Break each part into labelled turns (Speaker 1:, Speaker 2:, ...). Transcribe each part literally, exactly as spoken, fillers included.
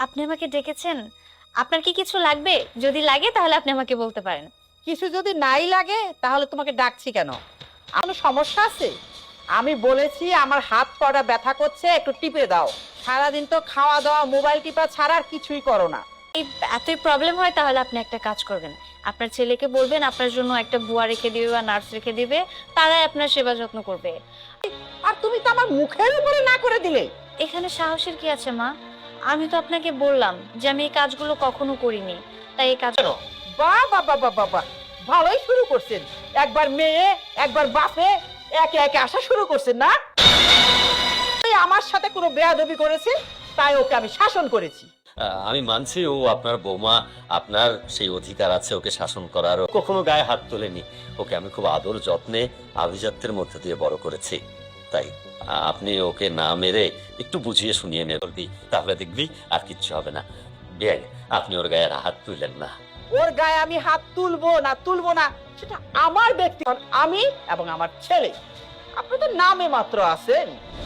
Speaker 1: আপনি আমাকে ডেকেছেন? আপনার কি কিছু লাগবে? যদি লাগে তাহলে আপনি আমাকে বলতে পারেন।
Speaker 2: কিছু যদি নাই লাগে তাহলে তোমাকে ডাকছি কেন? কোনো সমস্যা আছে? আমি বলেছি আমার হাত পাটা ব্যথা করছে, একটু টিপে দাও। সারাদিন তো খাওয়া দাওয়া মোবাইল টিপা ছাড়া আর কিছুই করো না।
Speaker 1: এই এতই প্রবলেম হয় তাহলে আপনি একটা কাজ করবেন। আপনার ছেলেকে বলবেন আপনার জন্য একটা বুয়া রেখে দিবে বা নার্স রেখে দিবে, তারাই আপনার সেবা যত্ন করবে।
Speaker 2: আর তুমি তো আমার মুখের উপরে না করে দিলে।
Speaker 1: এখানে সাহসের কি আছে মা? আমি তো আপনাকে বললাম যে আমি এই কাজগুলো কখনো করিনি, তাই এই কাজ।
Speaker 2: বাহ বাহ বাহ বাহ বাহ, ভালোই শুরু করছেন। একবার মেয়ে একবার বাপে একে একে আসা শুরু করছেন না? এই আমার সাথে কোনো বেয়াদবি করেছে তাই ওকে আমি শাসন করেছি।
Speaker 3: আহ, আমি মানছি ও আপনার বৌমা, আপনার সেই অধিকার আছে ওকে শাসন করার। ও কখনো গায়ে হাত তোলেনি। ওকে আমি খুব আদর যত্নে আভিজাত্যের মধ্যে দিয়ে বড় করেছি। তাই আহ, আপনি ওকে না মেরে একটু বুঝিয়ে শুনিয়ে মেয়ে বলবি, তাহলে দেখবি আর কিচ্ছু হবে না। বিয়ে আপনি ওর গায়ে হাত তুললেন না।
Speaker 2: ওর গায়ে আমি হাত তুলবো না তুলবো না সেটা আমার ব্যক্তি, আমি এবং আমার ছেলে। আপনি তো নামে মাত্র আছেন।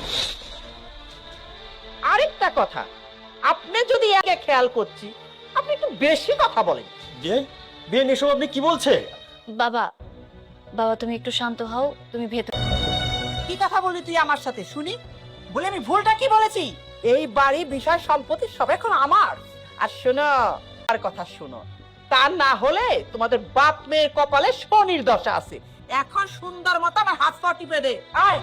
Speaker 2: আরেকটা কথা, আপনি যদি একে খেয়াল করছি, আপনি একটু বেশি কথা বলেন।
Speaker 3: বিয়ে বিয়ে এসব আপনি কি বলছে?
Speaker 1: বাবা, বাবা তুমি একটু শান্ত হও, তুমি ভেতর।
Speaker 2: কি কথা বলি তুই আমার সাথে শুনি? বলে আমি ভুলটা কি বলেছি? এই বাড়ি বিষয় সম্পত্তি সব এখন আমার। আর শোনো, আর কথা শোনো, তা না হলে তোমাদের বাপ মেয়ের কপালে শনির দশা আছে। এখন সুন্দর মতো আমার হাত পা টিপে দে। আয়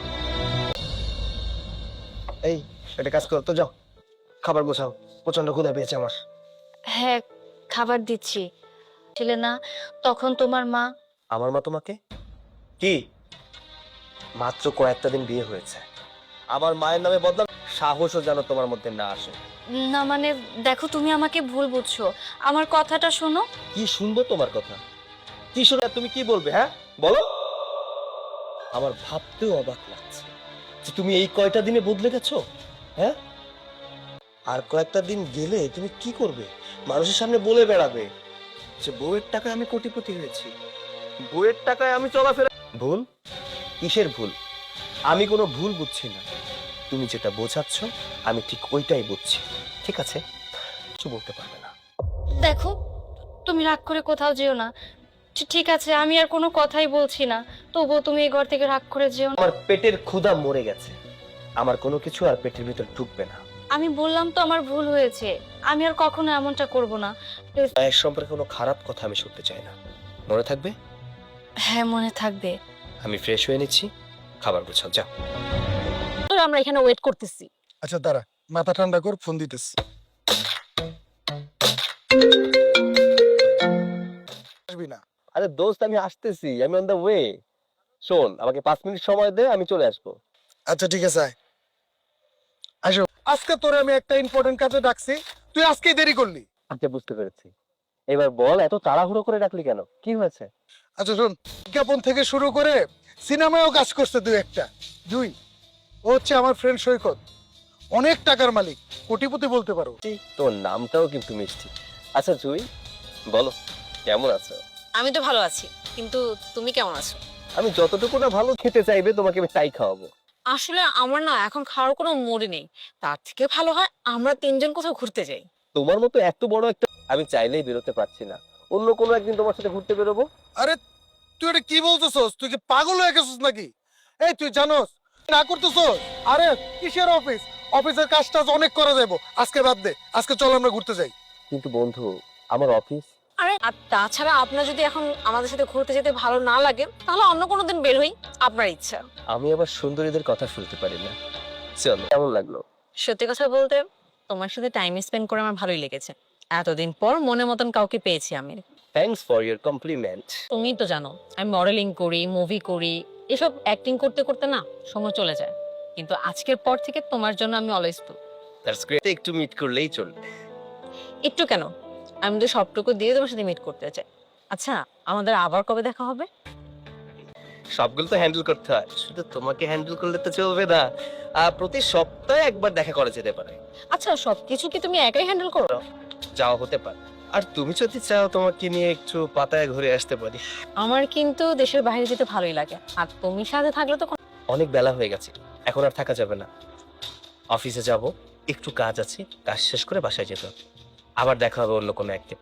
Speaker 4: এই একটা কাজ করো তো, যাও খাবার গোছাও, প্রচন্ড ক্ষুধা পেয়েছে আমার।
Speaker 1: হ্যাঁ, খাবার দিচ্ছি। ছিলে না তখন তোমার মা?
Speaker 4: আমার মা তোমাকে কি? মাত্র কয়েকটা দিন বিয়ে হয়েছে, আমার মায়ের নামে বদনাম, সাহসও যেন তোমার মধ্যে না আসে।
Speaker 1: না মানে দেখো, তুমি আমাকে ভুল বুঝছো, আমার কথাটা শোনো।
Speaker 4: কি শুনবো তোমার কথা? কি শুনে তুমি কি বলবে? হ্যাঁ বলো। আমার ভাবতেও অবাক লাগছে যে তুমি এই কয়টা দিনে বদলে গেছো। হ্যাঁ, আর কয়েকটা দিন গেলে তুমি কি করবে? মানুষের সামনে বলে বেড়াবে যে বউয়ের টাকায় আমি কোটিপতি হয়েছি, বউয়ের টাকায় আমি চলাফেরা। ভুল? কিসের ভুল? আমি কোনো ভুল বুঝছি না। তুমি যেটা বোঝাচ্ছ আমি ঠিক ওইটাই বুঝছি। ঠিক আছে, কিছু বলতে পারবে না।
Speaker 1: দেখো, তুমি রাগ করে কোথাও যেও না। ঠি- ঠিক আছে, আমি আর কোনো কথাই বলছি না, তবুও তুমি এই ঘর থেকে রাগ করে যেও না।
Speaker 4: আমার পেটের ক্ষুধা মরে গেছে, আমার কোনো কিছু আর পেটের ভিতর ঢুকবে না।
Speaker 1: আমি বললাম তো আমার ভুল হয়েছে, আমি আর কখনো এমনটা করব না। প্লিজ।
Speaker 4: মায়ের সম্পর্কে কোনো খারাপ কথা আমি শুনতে চাই না, মনে থাকবে?
Speaker 1: হ্যাঁ, মনে থাকবে।
Speaker 4: আমি ফ্রেশ হয়ে নিচ্ছি, খাবার গোছাও, যাও।
Speaker 1: আমরা এখানে ওয়েট করতেছি।
Speaker 5: আচ্ছা দাঁড়া, মাথা ঠান্ডা কর, ফোন দিতেছি। আসবি না?
Speaker 4: আরে দোস্ত, আমি আসতেছি, আমি অন দ্য ওয়ে। শোন, আমাকে পাঁচ মিনিট সময় দে, আমি চলে আসবো।
Speaker 5: আচ্ছা ঠিক আছে, আয়। আসো, আজকে তোরে আমি একটা ইম্পর্টেন্ট কাজে ডাকছি, তুই আজকেই দেরি করলি।
Speaker 4: আচ্ছা, বুঝতে পেরেছি। এবার বল, এত তাড়াহুড়ো করে ডাকলি কেন? কি হয়েছে?
Speaker 5: আচ্ছা শোন, বিজ্ঞাপন থেকে শুরু করে সিনেমায়ও কাজ করছে দুই একটা। দুই, ও হচ্ছে আমার ফ্রেন্ড সৈকত, অনেক টাকার মালিক, কোটিপতি বলতে পারো।
Speaker 4: এই, তোর নামটাও কিন্তু মিষ্টি। আচ্ছা জুই, বলো কেমন আছো?
Speaker 6: আমি তো ভালো আছি, কিন্তু তুমি কেমন আছো?
Speaker 4: আমি যতটুকু না ভালো খেতে চাইবে তোমাকে আমি তাই খাওয়াবো।
Speaker 6: আসলে আমার না এখন খাওয়ার কোনো মুড নেই। তার থেকে ভালো হয় আমরা তিনজন কোথাও ঘুরতে যাই।
Speaker 4: তোমার মতো এত বড় একটা, আমি চাইলেই বেরোতে পারছি না। অন্য কোনো একদিন তোমার সাথে ঘুরতে বেরোবো।
Speaker 5: আরে তুই এটা কি বলতেছস? তুই কি পাগল হয়ে গেছিস নাকি? এই তুই জানোস না করতেছস? আরে কিসের অফিস? অফিসের কাজটা অনেক করা যাবো, আজকে বাদ দে, আজকে চল আমরা ঘুরতে যাই।
Speaker 4: কিন্তু বন্ধু, আমার অফিস।
Speaker 6: আরে আর তাছাড়া আপনার যদি এখন আমাদের সাথে ঘুরতে যেতে ভালো না লাগে তাহলে অন্য কোনো দিন বের হই, আপনার ইচ্ছা।
Speaker 4: আমি আবার সুন্দরীদের কথা শুনতে পারি না। চলো, কেমন লাগলো?
Speaker 6: সত্যি কথা বলতে তোমার সাথে টাইম স্পেন্ড করে আমার ভালোই লেগেছে। এতদিন পর মনের মতন কাউকে পেয়েছি আমি।
Speaker 4: Thanks for your compliment.
Speaker 6: তুমি তো জানো আমি মডেলিং করি, মুভি করি, এসব অ্যাক্টিং করতে করতে না সময় চলে যায়। কিন্তু আজকের পর থেকে তোমার জন্য আমি অলওয়েজ তো।
Speaker 4: That's great. একটু মিট করলেই চলবে।
Speaker 6: একটু কেন, আমি তো সবটুকু দিয়ে তোমার সাথে মিট করতে চাই। আচ্ছা, আমাদের আবার কবে দেখা হবে?
Speaker 4: সবগুলো তো হ্যান্ডেল করতে হয়, শুধু তোমাকে হ্যান্ডেল করলে তো চলবে না। আহ, প্রতি সপ্তাহে একবার দেখা করা যেতে পারে।
Speaker 6: আচ্ছা, সবকিছু কি তুমি একাই হ্যান্ডেল করো?
Speaker 4: যাওয়া হতে পারে। আর তুমি যদি চাও তোমাকে নিয়ে একটু পাতায় ঘুরে আসতে পারি।
Speaker 6: আমার কিন্তু দেশের বাইরে যেতে ভালোই লাগে, আর তুমি সাথে থাকলে তো কোনো-
Speaker 4: অনেক বেলা হয়ে গেছে, এখন আর থাকা যাবে না। অফিসে যাব, একটু কাজ আছে, কাজ শেষ করে বাসায় যেতে হবে। আবার দেখা হবে অন্য কোনো একদিন।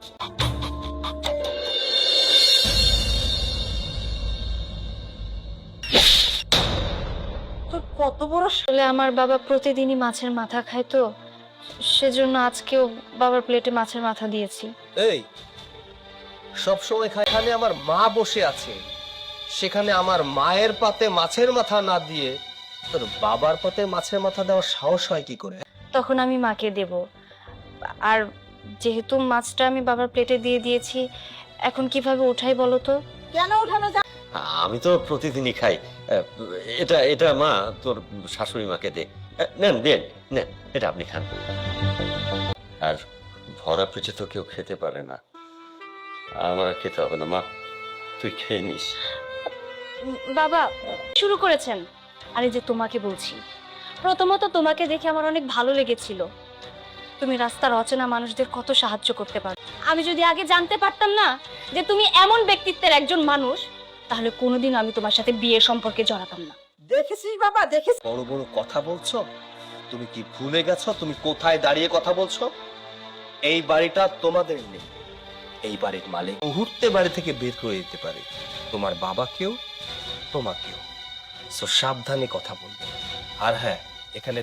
Speaker 2: তোর কত বড় স-
Speaker 1: আসলে আমার বাবা প্রতিদিনই মাছের মাথা খায় তো, সেজন্য আজকেও বাবার প্লেটে মাছের মাথা দিয়েছি।
Speaker 4: এই সব সময় এখানে আমার মা বসে আছে, সেখানে আমার মায়ের পাতে মাছের মাথা না দিয়ে তোর বাবার পাতে মাছের মাথা দেওয়ার সাহস হয় কি করে?
Speaker 1: তখন আমি মাকে দেব। আর যেহেতু মাছটা আমি বাবার প্লেটে দিয়ে দিয়েছি, এখন কিভাবে উঠাই বলো তো?
Speaker 2: কেন উঠানো যায়?
Speaker 3: আমি তো প্রতিদিনই খাই। আহ, এটা এটা মা তোর শাশুড়ি মাকে দে। আহ, নেন দেন, নেন, এটা আপনি খান। আর ভরা পেটে তো কেউ খেতে পারে না, আমার আর খেতে হবে না মা, তুই খেয়ে নিস।
Speaker 1: উম, বাবা শুরু করেছেন। আরে যে তোমাকে বলছি, প্রথমত তোমাকে দেখে আমার অনেক ভালো লেগেছিল। তুমি রাস্তার অচেনা মানুষদের কত সাহায্য করতে পারো। আমি যদি আগে জানতে পারতাম না যে তুমি এমন ব্যক্তিত্বের একজন মানুষ, তাহলে কোনোদিন আমি তোমার সাথে বিয়ের সম্পর্কে জড়াতাম না।
Speaker 2: দেখেছিস বাবা, দেখেছিস?
Speaker 4: বড় বড় কথা বলছো, তুমি কি ভুলে গেছো তুমি কোথায় দাঁড়িয়ে কথা বলছো? এই বাড়িটা তোমাদের নেই, এই বাড়ির মালিক মুহূর্তে বাড়ি থেকে বের করে দিতে পারে, তোমার বাবাকেও তোমাকেও। সো সাবধানে কথা বলবে। আর হ্যাঁ, এখানে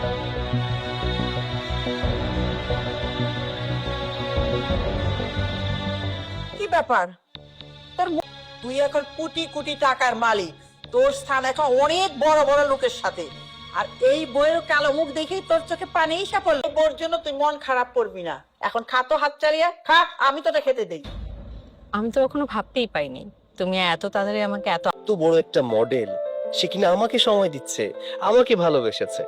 Speaker 2: কি ব্যাপার তোর মু- তুই এখন কোটি কোটি টাকার মালিক, তোর স্থান এখন অনেক বড় বড় লোকের সাথে। আর এই বইয়ের কালো মুখ দেখেই তোর চোখে পানি এসে পড়লো। বোর জন্য তুই মন খারাপ করবি না। এখন খা তো, হাত চালিয়ে খা, আমি তোটা খেতে দেই।
Speaker 6: আমি তো কখনো ভাবতেই পাইনি তুমি এত তাড়াতাড়ি আমাকে এত
Speaker 4: এত বড় একটা মডেল, সে কিনা আমাকে সময় দিচ্ছে, আমাকে ভালোবেসেছে।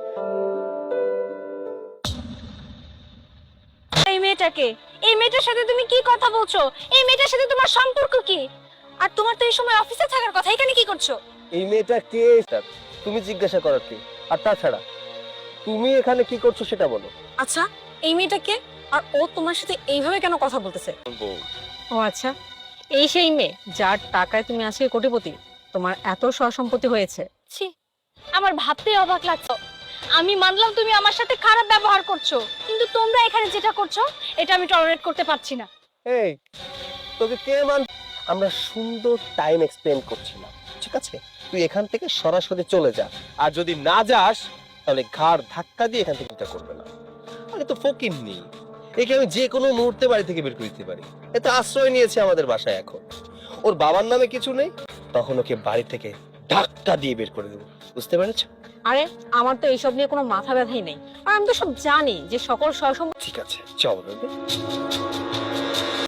Speaker 1: এই মেয়েটাকে, এই মেয়েটার সাথে তুমি কি কথা বলছো? এই মেয়েটার সাথে তোমার সম্পর্ক কি? আর তোমার তো এই সময় অফিসে থাকার কথা, এখানে কি করছো?
Speaker 4: এই মেয়েটা কে তুমি জিজ্ঞাসা করার কি? আর তাছাড়া তুমি এখানে কি করছো সেটা বলো।
Speaker 6: আচ্ছা, এই মেয়েটাকে আর ও তোমার সাথে এইভাবে কেন কথা বলতেছে? ও আচ্ছা, এই সেই মেয়ে যার টাকায় তুমি আজকে কোটিপতি, তোমার এত সসম্পত্তি হয়েছে।
Speaker 1: ছি, আমার ভাবতে অবাক লাগছে। আমি মানলাম তুমি আমার সাথে খারাপ ব্যবহার করছো, কিন্তু তোমরা এখানে যেটা করছো এটা আমি টলারেট করতে পারছি না।
Speaker 4: এই তোকে কে মান? আমরা সুন্দর টাইম এক্সপ্লেন করছিলাম, ঠিক আছে? তুই এখান থেকে সরাসরি চলে যা, আর যদি না যাস তাহলে ঘাড় ধাক্কা দিয়ে এখান থেকে এটা করবে না। আরে তো ফকির নেই, একে আমি যে কোনো মুহূর্তে বাড়ি থেকে বের করে দিতে পারি। এতে আশ্রয় নিয়েছে আমাদের বাসায়। এখন ওর বাবার নামে কিছু নেই, তখন ওকে বাড়ি থেকে ধাক্কা দিয়ে বের করে দেবো, বুঝতে পেরেছ?
Speaker 6: আরে আমার তো এইসব নিয়ে কোনো মাথা ব্যথাই নেই, আর আমি তো সব জানি যে সকল সহসম্পত্তি
Speaker 4: ঠিক আছে, চল।